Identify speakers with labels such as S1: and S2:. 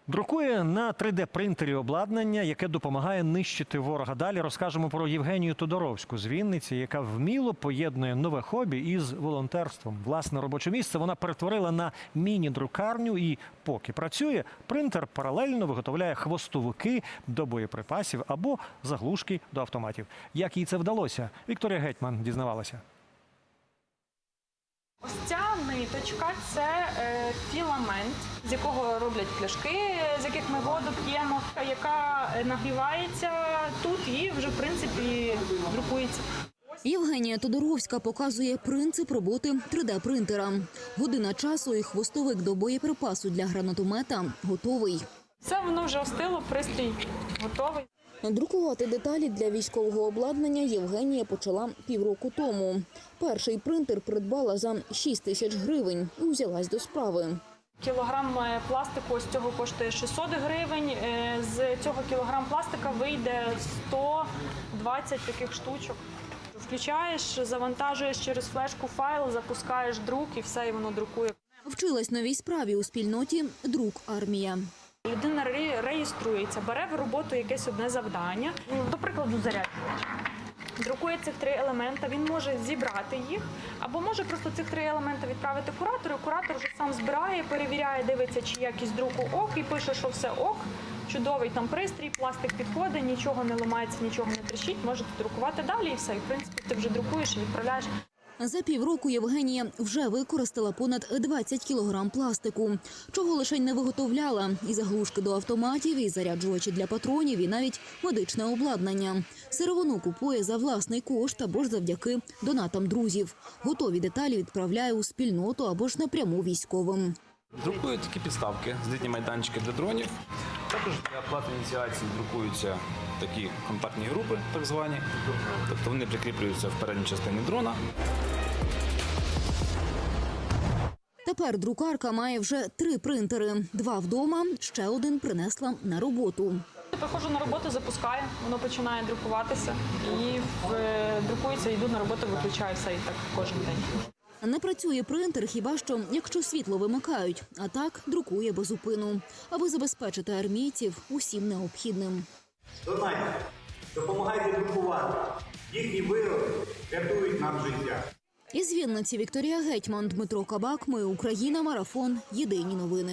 S1: Друкує на 3D-принтері обладнання, яке допомагає нищити ворога. Далі розкажемо про Євгенію Тодоровську з Вінниці, яка вміло поєднує нове хобі із волонтерством. Власне робоче місце вона перетворила на міні-друкарню і, поки працює, принтер паралельно виготовляє хвостовики до боєприпасів або заглушки до автоматів. Як їй це вдалося? Вікторія Гетьман дізнавалася.
S2: Ось ця ниточка – це філамент, з якого роблять пляшки, з яких ми воду п'ємо, яка нагрівається тут і вже, в принципі, друкується.
S3: Євгенія Тодоровська показує принцип роботи 3D-принтера. Година часу і хвостовик до боєприпасу для гранатомета готовий.
S2: Все, воно вже остило, пристрій готовий.
S3: Друкувати деталі для військового обладнання Євгенія почала півроку тому. Перший принтер придбала за 6 тисяч гривень і взялась до справи.
S2: Кілограм пластику ось цього коштує 600 гривень. З цього кілограм пластика вийде 120 таких штучок. Включаєш, завантажуєш через флешку файл, запускаєш друк і все, і воно друкує.
S3: Вчилась новій справі у спільноті «Друк Армія».
S2: Людина реєструється, бере в роботу якесь одне завдання, до прикладу, заряджувач. Друкує цих 3 елемента, він може зібрати їх, або може просто цих 3 елемента відправити куратору. Куратор вже сам збирає, перевіряє, дивиться, чи якість друку ок, і пише, що все ок. Чудовий там пристрій, пластик підходить, нічого не ламається, нічого не тріщить, можете друкувати далі і все. І, в принципі, ти вже друкуєш і відправляєш.
S3: За півроку Євгенія вже використала понад 20 кілограм пластику. Чого лише не виготовляла – і заглушки до автоматів, і заряджувачі для патронів, і навіть медичне обладнання. Сировину купує за власний кошт або ж завдяки донатам друзів. Готові деталі відправляє у спільноту або ж напряму військовим.
S4: Друкують такі підставки, злітні майданчики для дронів. Також для плати ініціації друкуються такі контактні групи, так звані. Тобто вони прикріплюються в передній частині дрона.
S3: Тепер друкарка має вже 3 принтери. 2 вдома, ще один принесла на роботу.
S2: Приходжу на роботу, запускаю, воно починає друкуватися і друкується, йду на роботу, виключаю все і так кожен день.
S3: Не працює принтер хіба що, якщо світло вимикають, а так друкує без зупину, аби забезпечити армійців усім необхідним.
S5: Донайте, допомагайте друкувати. Їхні вироби рятують нам життя.
S3: Із Вінниці Вікторія Гетьман, Дмитро Кабак. Ми Україна. Марафон. Єдині новини.